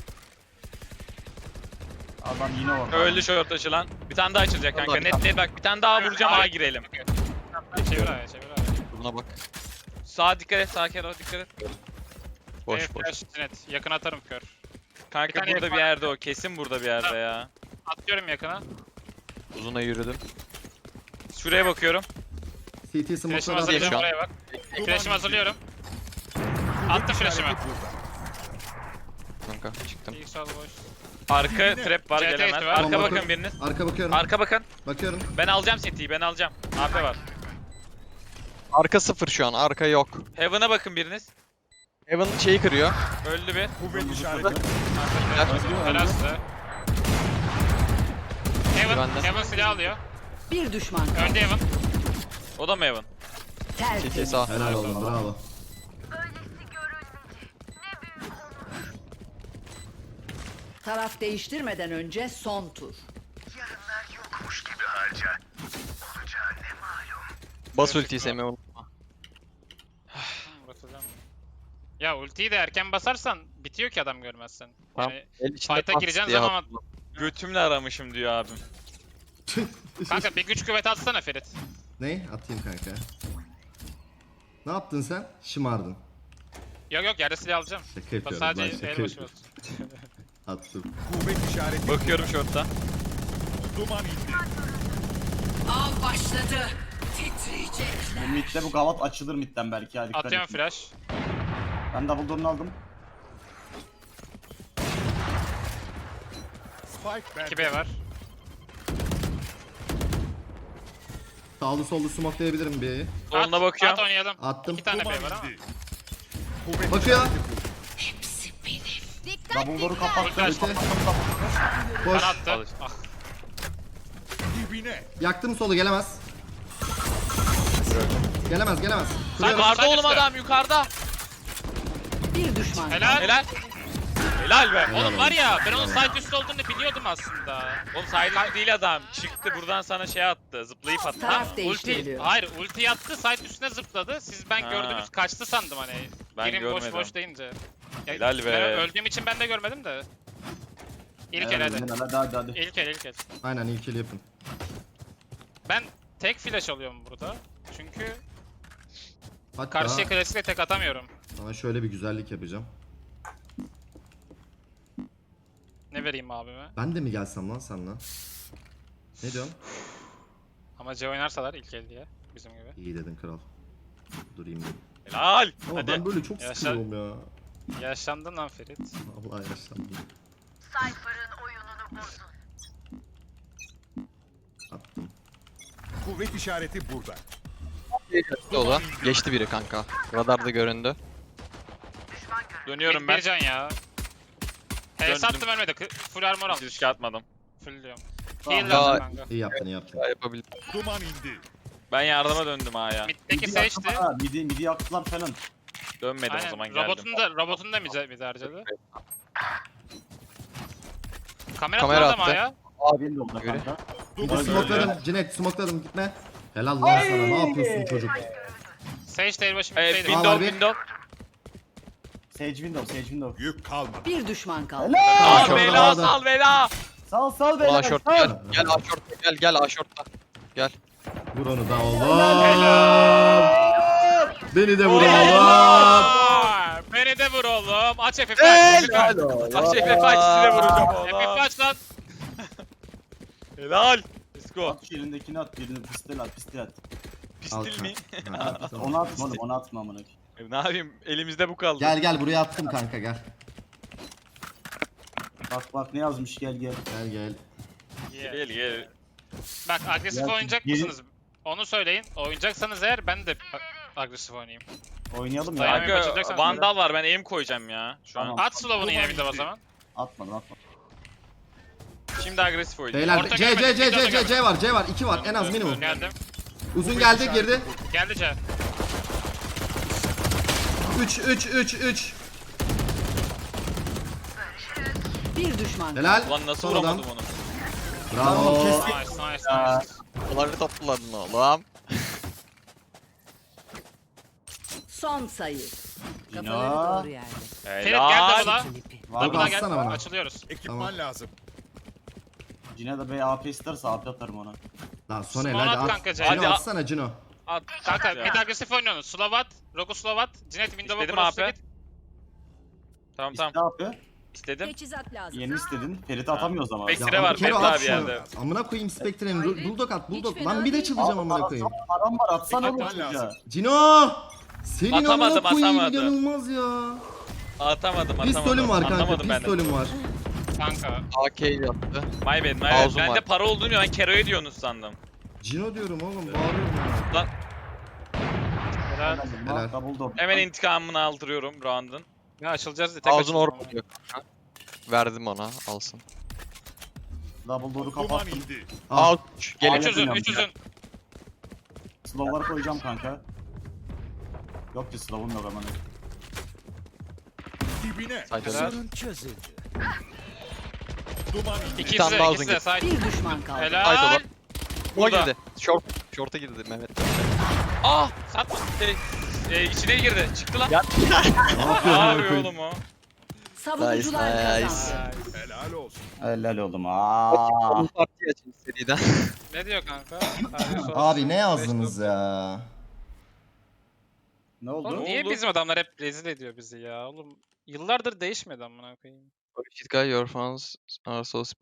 Speaker 5: Adam yine orada.
Speaker 1: Öldü short açılan. Bir tane daha açılacak kanka. Net net bak bir tane daha vuracağım,
Speaker 6: Ay.
Speaker 1: A girelim.
Speaker 3: Çevir aya çevir aya.
Speaker 6: Buna bak.
Speaker 1: Sağa dikkat et, sağa Kero dikkat et.
Speaker 6: Boş
Speaker 3: Evet,
Speaker 6: boş.
Speaker 3: flash net. Yakın atarım kör.
Speaker 1: Kanka
Speaker 3: Bir tane
Speaker 1: burada
Speaker 3: yakın
Speaker 1: bir yerde o. Kesin burada bir yerde ya.
Speaker 3: Atıyorum yakına.
Speaker 6: Uzuna yürüdüm.
Speaker 1: Şuraya bakıyorum.
Speaker 2: CT
Speaker 3: Flash'ımı
Speaker 2: smoke'ları
Speaker 6: şu
Speaker 3: hazırlıyorum
Speaker 6: an.
Speaker 3: oraya bak. Flash'ımı hazırlıyorum. Attım flash'ımı.
Speaker 6: Kanka çıktım.
Speaker 3: İlk sol boş.
Speaker 1: Arka trap var
Speaker 3: CT
Speaker 1: gelemez.
Speaker 3: var.
Speaker 1: Arka
Speaker 2: Bomba
Speaker 1: bakın
Speaker 2: kur.
Speaker 1: biriniz.
Speaker 2: Arka bakıyorum.
Speaker 1: Arka bakın.
Speaker 2: Bakıyorum.
Speaker 1: Ben alacağım CT'yi, ben alacağım. AP var.
Speaker 6: Arka 0 şu an. Arka yok.
Speaker 1: Heaven'a bakın biriniz.
Speaker 6: Evan şeyi kırıyor.
Speaker 1: Öldü bir.
Speaker 4: Kuvvet işareti.
Speaker 3: Helal size. Heaven,
Speaker 6: Güvende.
Speaker 3: Heaven silah alıyor.
Speaker 7: Bir düşman kaldı.
Speaker 3: Önde Heaven.
Speaker 1: O da mı Heaven?
Speaker 6: CT
Speaker 7: Tertemiz.
Speaker 6: sağ.
Speaker 2: Helal oğlum bravo.
Speaker 7: Taraf değiştirmeden önce son tur.
Speaker 6: Bas ultiyi Semih unutma.
Speaker 3: Basacağım. Ya ultiyi de erken basarsan bitiyor ki adam görmezsen.
Speaker 6: Tamam.
Speaker 3: Yani
Speaker 6: El içinde
Speaker 3: fight'a
Speaker 6: pat
Speaker 3: gireceğin
Speaker 6: diye
Speaker 3: zaman
Speaker 6: hatırladım.
Speaker 1: Götümle aramışım diyor abim.
Speaker 3: kanka bir güç kuvvet atsana Ferit.
Speaker 2: Ne? Atayım kanka. Ne yaptın sen? Şımardın.
Speaker 3: Yok yerde silah alacağım.
Speaker 2: Şaka
Speaker 3: Bak
Speaker 2: yapıyorum
Speaker 3: sadece
Speaker 2: lan şaka
Speaker 3: el başı
Speaker 2: yapıyorum.
Speaker 3: bas.
Speaker 2: Attım.
Speaker 4: Kuvvet işareti.
Speaker 1: Bakıyorum short'ta.
Speaker 4: Duman indi.
Speaker 7: Av başladı. Titriyecek.
Speaker 5: Bu midde bu gavat açılır midden belki hadi dikkat
Speaker 3: Atıyorum
Speaker 5: et.
Speaker 3: flash.
Speaker 5: Ben double door'unu aldım.
Speaker 4: Spike bende.
Speaker 3: 2B var.
Speaker 2: Sağlı sollu smokelayabilirim bir B'yi.
Speaker 1: Soluna bakıyorum.
Speaker 3: At oynayalım.
Speaker 2: Attım.
Speaker 3: 2 tane
Speaker 4: Duman
Speaker 3: B var ama.
Speaker 4: indi. Kuvvet
Speaker 2: Bakıyor.
Speaker 5: Double door'u kapattım.
Speaker 3: Flash.
Speaker 2: Öte. Boş.
Speaker 3: Bana attı. Ah.
Speaker 4: dibine.
Speaker 2: Yaktım solu gelemez. Gelemez gelemez. Kuruyorum.
Speaker 1: Yukarıda
Speaker 3: Sen
Speaker 1: oğlum
Speaker 3: üstte.
Speaker 1: adam yukarıda.
Speaker 7: Bir düşman kaldı.
Speaker 3: Helal.
Speaker 1: Helal. Helal be.
Speaker 3: Oğlum var ya ben onun side üstü olduğunu biliyordum aslında.
Speaker 1: Oğlum side değil adam. Çıktı buradan sana şey attı. Zıplayıp attı.
Speaker 7: Taraf
Speaker 3: Ulti,
Speaker 7: değiştiriliyor.
Speaker 3: hayır ulti attı side üstüne zıpladı. Siz ben
Speaker 1: Ha.
Speaker 3: gördünüz kaçtı sandım hani.
Speaker 1: Ben
Speaker 3: Girin boş
Speaker 1: görmedim.
Speaker 3: boş deyince. Ya,
Speaker 1: Helal be.
Speaker 3: Ben öldüğüm için ben de görmedim de. İlk el hadi.
Speaker 5: Hadi.
Speaker 3: İlk el.
Speaker 2: Aynen ilkili yapın.
Speaker 3: Ben tek flash alıyorum burada. Çünkü
Speaker 2: Hatta
Speaker 3: karşıya klasikle tek atamıyorum.
Speaker 2: sana şöyle bir güzellik yapacağım.
Speaker 3: Ne vereyim abime?
Speaker 2: Ben de mi gelsem lan seninle? Ne diyorsun?
Speaker 3: Ama C oynarsalar ilk el diye. Bizim gibi.
Speaker 2: İyi dedin kral. Durayım dedim.
Speaker 1: Helal.
Speaker 2: Ama
Speaker 1: Hadi.
Speaker 2: ben böyle çok
Speaker 3: Yaşa.
Speaker 2: sıkılıyorum ya.
Speaker 3: Yaşlandın lan Ferit.
Speaker 2: Vallahi yaşlandım. Attım.
Speaker 4: Kuvvet işareti burada.
Speaker 6: Dolu. Geçti biri kanka. Radarda göründü.
Speaker 1: Dönüyorum ben.
Speaker 3: Bir can ya. HS
Speaker 1: Döndüm.
Speaker 3: attım ölmedi. Full armor
Speaker 1: Hiç
Speaker 3: almış.
Speaker 1: riske atmadım.
Speaker 3: Full diyorum.
Speaker 5: Tamam.
Speaker 3: Heal
Speaker 6: Daha-
Speaker 3: lazım kanka.
Speaker 2: İyi yaptın iyi yaptın.
Speaker 6: Daha yapabildim.
Speaker 4: Duman indi.
Speaker 1: Ben yardıma döndüm ha ya.
Speaker 3: Mid'deki Sage'di.
Speaker 5: Midi yaktılar falan.
Speaker 1: Dönmedim o zaman geldim.
Speaker 3: Robotun da mid harcadı. Kamera,
Speaker 6: Kamera
Speaker 3: attı.
Speaker 6: attı.
Speaker 3: Ya.
Speaker 5: Benim de oldu
Speaker 6: Göre.
Speaker 5: kanka.
Speaker 4: Duman indi.
Speaker 2: Smokladım. Cinet smokladım gitme. Helal lan sana ne yapıyorsun çocuk?
Speaker 3: Sage değil başım middeydi.
Speaker 1: Window
Speaker 2: Var bir.
Speaker 1: window.
Speaker 5: Sage window.
Speaker 4: Yük kalmadı.
Speaker 7: Bir düşman kaldı.
Speaker 2: Helal.
Speaker 1: Sal bela sal bela.
Speaker 5: Sal
Speaker 6: A
Speaker 5: beyler.
Speaker 6: short gel. Gel A short'ta gel A short'ta. Gel.
Speaker 2: Vur onu da oğlum. Beni de vur oğlum.
Speaker 3: Aa, beni de vur oğlum. Aç FF aç.
Speaker 1: Aç FF aç size vuracağım
Speaker 3: FF
Speaker 1: oğlum.
Speaker 3: aç lan.
Speaker 1: Helal. Let's go.
Speaker 5: At şu elindekini at. Birini pistel at.
Speaker 1: Pistil mi?
Speaker 5: Onu atma oğlum. Onu atma amına.
Speaker 1: Ne yapayım elimizde bu kaldı.
Speaker 2: Gel buraya attım kanka gel.
Speaker 5: Bak ne yazmış gel.
Speaker 2: Gel.
Speaker 1: Gel gel.
Speaker 3: Bak agresif
Speaker 5: Ya,
Speaker 3: oynayacak
Speaker 5: geri-
Speaker 3: mısınız? Onu söyleyin. Oynayacaksanız eğer ben de agresif oynayayım.
Speaker 5: Oynayalım ya.
Speaker 3: Dayanamaya
Speaker 1: Kanka
Speaker 3: başlayacaksan
Speaker 1: vandal var ben aim koyacağım ya. Şu an.
Speaker 5: Tamam.
Speaker 3: At slow'unu yine bir de o zaman.
Speaker 5: Atma.
Speaker 1: Şimdi agresif oynayacağım.
Speaker 2: Beyler
Speaker 3: Orta
Speaker 2: C
Speaker 3: görmedim,
Speaker 2: C var 2 var en az minimum.
Speaker 3: Geldim.
Speaker 2: Uzun geldi girdi.
Speaker 3: Geldi C.
Speaker 2: 3
Speaker 7: Bir düşman kaldı.
Speaker 2: Helal.
Speaker 1: Ulan nasıl
Speaker 2: Sonradan.
Speaker 1: vuramadım onu?
Speaker 2: Bravo.
Speaker 3: Nice.
Speaker 6: Onları topladın oğlum.
Speaker 7: Son sayı. Kafaları
Speaker 5: Ya.
Speaker 7: doğru yerde.
Speaker 3: Ferit gel
Speaker 1: Helal.
Speaker 3: double'a.
Speaker 7: Filipi.
Speaker 5: Var
Speaker 3: Double'a
Speaker 5: mı?
Speaker 3: gel.
Speaker 2: Atsana bana.
Speaker 3: Açılıyoruz.
Speaker 4: Ekipman
Speaker 2: Tamam.
Speaker 4: lazım.
Speaker 5: Cine de B AP isterse AP atarım ona.
Speaker 2: Lan Soner
Speaker 3: Spawn
Speaker 2: hadi
Speaker 3: at
Speaker 2: at.
Speaker 3: kanka,
Speaker 2: Cino
Speaker 1: hadi at.
Speaker 2: atsana Cino.
Speaker 1: At.
Speaker 3: Kanka
Speaker 1: ya.
Speaker 3: mid agresif oynuyorsunuz. Slovat, Rogu Slovat, Cinet Windows'a
Speaker 1: İstedim
Speaker 3: cross'u
Speaker 1: abi.
Speaker 3: git.
Speaker 1: Tamam
Speaker 5: İste
Speaker 1: tamam.
Speaker 5: abi.
Speaker 1: İstedim.
Speaker 7: Teçhizat lazım.
Speaker 5: Yeni istedin. Ferit'i atamıyoruz ama.
Speaker 1: Bek-
Speaker 2: Ya
Speaker 1: Sire var,
Speaker 2: Kero
Speaker 1: bekle
Speaker 2: at
Speaker 1: abi
Speaker 2: şunu.
Speaker 1: yerde.
Speaker 2: Amına koyayım Spectre'nin. Bulldog at bulldog.
Speaker 7: Hiç
Speaker 2: Lan
Speaker 7: fena
Speaker 2: bir de
Speaker 7: değil.
Speaker 2: çıldıracağım amına koyayım.
Speaker 5: Param var atsana oğlum
Speaker 4: Dikkat
Speaker 5: çocuğa.
Speaker 4: lazım.
Speaker 2: Cino! Senin
Speaker 1: Atamadım,
Speaker 2: amına koyayım
Speaker 1: atamadım.
Speaker 2: inanılmaz ya.
Speaker 1: Atamadım.
Speaker 2: Pistolüm var kanka
Speaker 1: Anlamadım ben de.
Speaker 2: pistolüm var.
Speaker 3: Kanka.
Speaker 6: AK yaptı.
Speaker 1: My bad, my bad.
Speaker 6: Ağzım
Speaker 1: Ben
Speaker 6: var.
Speaker 1: de para olduğunu ben Kero'ya diyorsunuz sandım.
Speaker 2: Cino diyorum oğlum bağırıyorum ya.
Speaker 1: Lan
Speaker 3: Helal.
Speaker 2: Helal.
Speaker 5: Double door.
Speaker 1: hemen intikamını aldırıyorum round'un.
Speaker 3: Ya açılacağız diye tek
Speaker 6: Ağzını
Speaker 3: açıldım
Speaker 6: orp
Speaker 3: ama.
Speaker 6: diyor. Verdim ona alsın.
Speaker 5: Double door'u
Speaker 4: Duman
Speaker 5: kapattım.
Speaker 4: indi.
Speaker 2: Al.
Speaker 6: Al. Gelin.
Speaker 3: 3 uzun, 3 uzun.
Speaker 5: Slow'ları koyacağım kanka. Yok ki slow'um yok aman.
Speaker 4: Dibine.
Speaker 6: Haydi.
Speaker 3: Helal.
Speaker 4: Duman indi.
Speaker 3: İkisi
Speaker 6: tane
Speaker 3: de,
Speaker 6: daha
Speaker 3: ikisi
Speaker 6: uzun
Speaker 3: de side.
Speaker 7: Bir düşman kaldı.
Speaker 6: Haydi
Speaker 3: Helal.
Speaker 6: oğlum. Buna
Speaker 1: Burada.
Speaker 6: girdi. Short'a girdi Mehmet.
Speaker 1: Ah! Satma. İçine girdi. Çıktı lan.
Speaker 6: Ya.
Speaker 2: Ne
Speaker 1: Ne
Speaker 2: yapıyorsun amına
Speaker 1: yapıyor
Speaker 2: koyayım?
Speaker 1: oğlum o?
Speaker 7: Savunucular
Speaker 6: Nice,
Speaker 7: kazandı.
Speaker 4: Helal olsun.
Speaker 5: Helal oldum. Aa.
Speaker 6: Onun partiyi açın seriden.
Speaker 3: Ne diyor kanka?
Speaker 2: Abi ne yazdınız ya?
Speaker 5: Ne
Speaker 3: Oğlum
Speaker 5: oldu?
Speaker 3: niye
Speaker 1: oldu?
Speaker 3: bizim adamlar hep rezil ediyor bizi ya oğlum? Yıllardır değişmedi amına koyayım.
Speaker 6: Holy shit guy, your fans are so